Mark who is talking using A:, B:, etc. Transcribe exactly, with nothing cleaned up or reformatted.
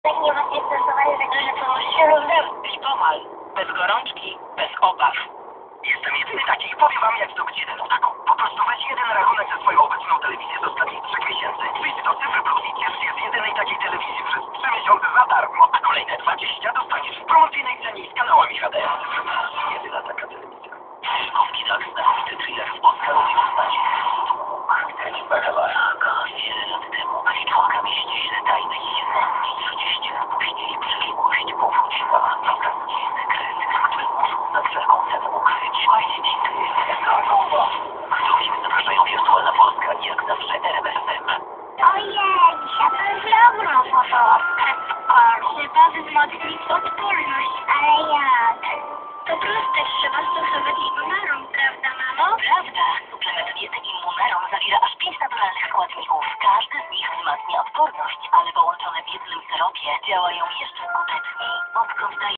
A: Tak nie was nie stresowali, tak że pomóżcie równem.
B: Lipomal. Bez gorączki, bez obaw.
C: Jestem jedyny taki i powiem wam jak zdobyć jedyną taką. Po prostu weź jeden rachunek za swoją obecną telewizję z ostatnich trzech miesięcy, wyjdź do Cyfry Plus i ciesz się z jedynej takiej telewizji przez trzy miesiące za darmo, a kolejne dwadzieścia dostaniesz w promocyjnej cenie i z kanałami H D. Cyfry Plus. Jedyna taka telewizja. Szybkowski tak, znakomity thriller w Oscarowej postaci. Kręć Bakalara. Wiele lat temu Aliczonka mieści tajne i trzydzieści lat później przeszłość powróciła. Prawdziwy sekret, który muszą za wszelką cenę ukryć. Właśnie ty. Do film zapraszają wirtualna Polska i jak zawsze R M F M.
A: Ojej, dzisiaj to jest dobro, fotowska. Trzeba wzmocnić odporność, ale jak? To proste, trzeba stosować immunarum, prawda, mamo?
B: Prawda, suplement diety Immunarum zawiera aż pięć naturalnych składników. Każdy z nich wzmacnia odporność, ale połączone w jednym syropie działają jeszcze skuteczniej. Odkąd daje